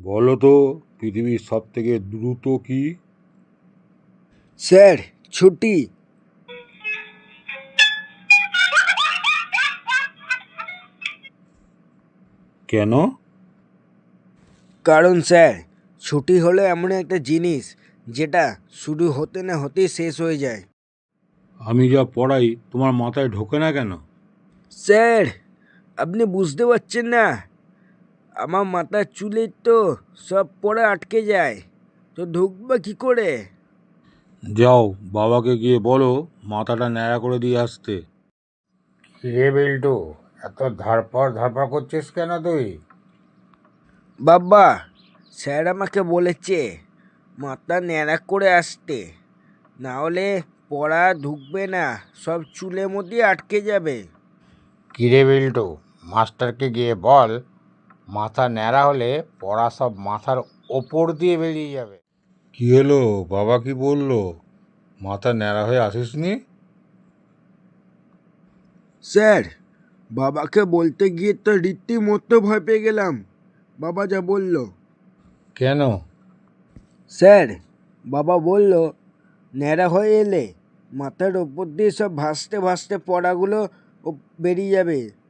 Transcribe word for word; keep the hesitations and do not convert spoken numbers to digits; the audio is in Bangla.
বলো তো পৃথিবীর সব থেকে দ্রুত কি? স্যার, ছুটি। কেন? কারণ স্যার, ছুটি হলো এমন একটা জিনিস যেটা শুরু হতে না হতেই শেষ হয়ে যায়। আমি যা পড়াই তোমার মাথায় ঢোকে না কেন? স্যার, আপনি বুঝতে পারছেন না, আমার মাথার চুলে তো সব পড়ে আটকে যায়, তো ঢুকবা কি করে? যাও, বাবাকে গিয়ে বলো মাথাটা ন্যাড়া করে দিয়ে আসতে। কিরে বিল্টু, এত ধরপড় ধরপড় করছিস কেন তুই? বাবা, স্যার আমাকে বলেছে মাথা ন্যাড়া করে আসতে, না হলে পড়া ঢুকবে না, সব চুলের মধ্যে আটকে যাবে। কিরে বিল্টু, মাস্টারকে গিয়ে বল মাথা ন্যাড়া হলে পড়া সব মাথার ওপর দিয়ে বেরিয়ে যাবে। কি হলো, বাবা কি বললো? মাথা ন্যাড়া হয়ে আসিসনি? স্যার, বাবাকে বলতে গিয়ে তো রীতিমতো ভয় পেয়ে গেলাম, বাবা যা বলল। কেন? স্যার, বাবা বলল ন্যাড়া হয়ে এলে মাথার ওপর দিয়ে সব ভাসতে ভাসতে পড়াগুলো ও বেরিয়ে যাবে,